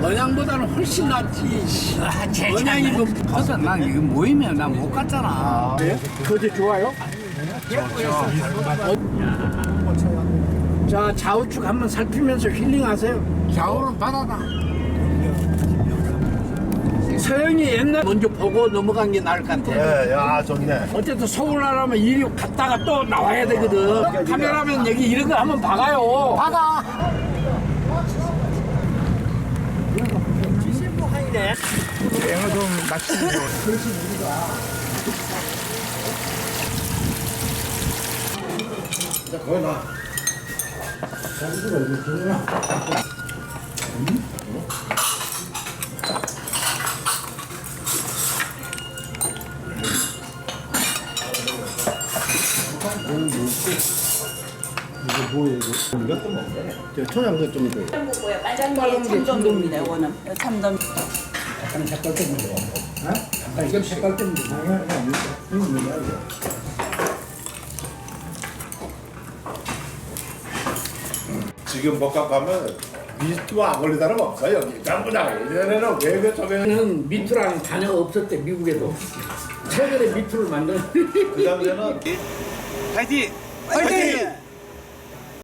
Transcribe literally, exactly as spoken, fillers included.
언양보다는 훨씬 낫지. 아, 제 언양이 뭐 가서 난 이거 모이면 난 못 갔잖아. 거제 좋아요? 자, 좌우측 한번 살피면서 힐링하세요. 좌우는 바다다. 서영이 옛날 먼저 보고 넘어간 게 나을 것 같아. 예, 야, 좋네. 어쨌든 서울하려면 이리 갔다가 또 나와야 되거든. 카메라면 여기 이런 거 한번 박아요. 바다. 앵어 좀 낚시는 거. 거기 나. 이거 뭐예요, 이거? 이것도 먹네. 저 초장도 좀 더. 뭐야 빨간 게 참돔입니다. 이거는 참돔. 약간 색깔 때문에 그래. 어? 약간 이건 색깔 때문에 그래. 이거 뭐냐, 이거. 지금 복합 가면 미스트와 안 걸리다는 없어 여기 전부 다 예전에는 외교 쪽에는 저는 미투라는 단어가 없었대, 미국에도. 최근에 미투를 만든. 그 당시에는 파이팅! 파이팅!